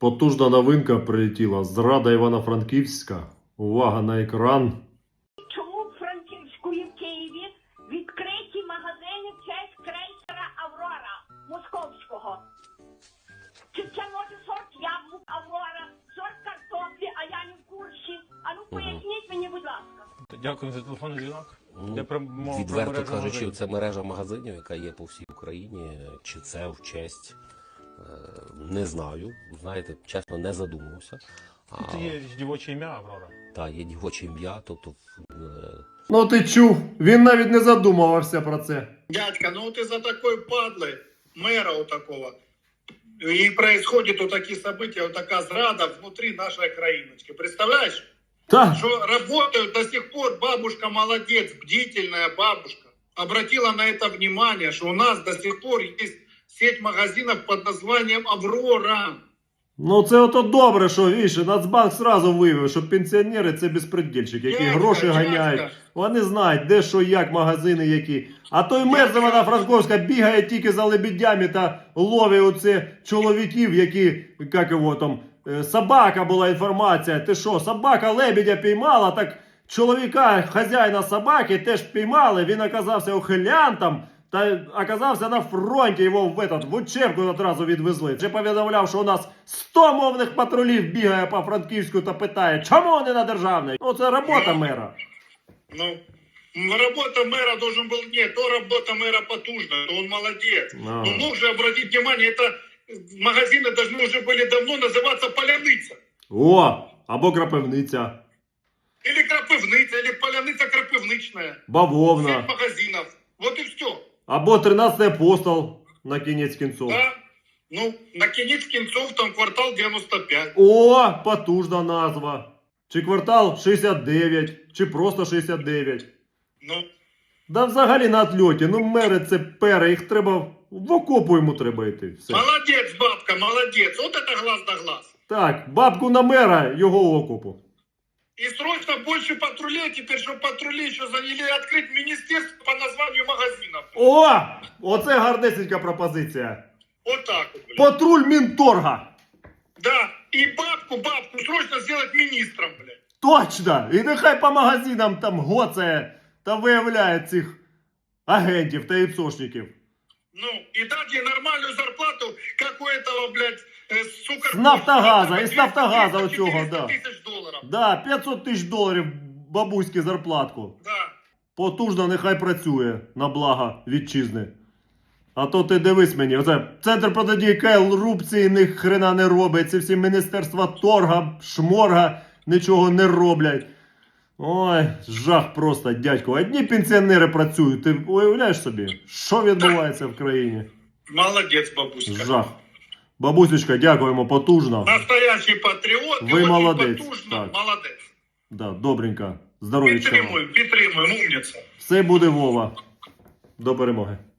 Потужна новинка прилетіла. Зрада Івано-Франківська. Увага на екран. Чому в Франківську і в Києві відкриті магазини в честь крейсера «Аврора» московського? Чи це може сорт яблук «Аврора», сорт картоплі, а я не в курсі? А ну поясніть мені, будь ласка. Дякую за телефонний дзвінок. Відверто кажучи, це мережа магазинів, яка є по всій Україні. Чи це в честь? Не знаю. Знаєте, чесно, не задумувався. Це є дівоче ім'я Аврора. Так, є дівоче ім'я, тобто... Ну ти чув, він навіть не задумувався про це. Дядька, ну ты за такой падлой, мэра вот такого. И происходит вот такие события, вот такая зрада внутри нашей краиночки. Представляешь? Так, Что работают до сих пор, бабушка молодец, бдительная бабушка. Обратила на это внимание, что у нас до сих пор есть сеть магазинов под названием «Аврора». ну це ото добре, що віше, Нацбанк сразу виявив, що пенсіонери це безпредельщики, які Дядька, гроші дядька. ганяють. Вони знають, де що, як, магазини які. А той мер з Івано-Франковська бігає тільки за лебедями та ловить оце чоловіків, які, як його там, собака була інформація. Ти що, собака лебедя піймала, так чоловіка, хазяїна собаки теж піймали, він оказався ухилянтом. Та оказався на фронті, його в учебку одразу відвезли. Вже повідомляв, що у нас 100 мовних патрулів бігає по Франківську та питає, чому не на державний? Ну це робота мера. Ну, работа мэра должен был... Нет, то работа мэра потужная, то он молодец. А. Но мог же обратить внимание, это магазины должны уже были давно называться «Поляныца». О, або крапивниця, Или «Крапивниця», или «Поляныца Крапивничная». бавовна, Сеть магазинов. Вот и все. або 13-й апостол на кінець кінцов. Да? Ну, на кінець кінцов там квартал 95. О, потужна назва. Чи квартал 69, чи просто 69. Ну, Да взагалі на отльоті, ну мери це пери, їх треба, в окопу йому треба йти. Все. молодец, бабка, молодец. Вот это глаз да глаз. Так, бабку на мера, його в окопу. И срочно больше патрулей теперь, чтобы патрули еще заняли открыть министерство по названию магазинов. О! Оце гарнесенька пропозиція. Вот так вот, блядь. Патруль Мінторга. Да, и бабку срочно сделать министром, блядь. Точно! І нехай по магазинам там гоцає та виявляє цих агентів та іпсошників. Ну, и дать ей нормальную зарплату, как у этого, блядь, сука... С Нафтогаза, этого из Нафтогаза 300-400 у цього, да. тысяч долларов. Да, 500 тисяч доларів бабуськи зарплатку. Да. Потужно нехай працює на благо вітчизни. А то ти дивись мені, оце Центр протидії корупції ні хрена не робить, ці всі міністерства торга, шморга нічого не роблять. Ой, жах просто, дядько. Одні пенсіонери працюють, ти уявляєш собі, що відбувається в країні? Молодец, бабушка. Жах. Бабусечка, дякуємо, потужно. Настоящий патріот. Ви очень молодець, потужно, так. молодець. Да, добренько. Здоров'ячка. Підтримуємо, умниця. Все буде, Вова. До перемоги.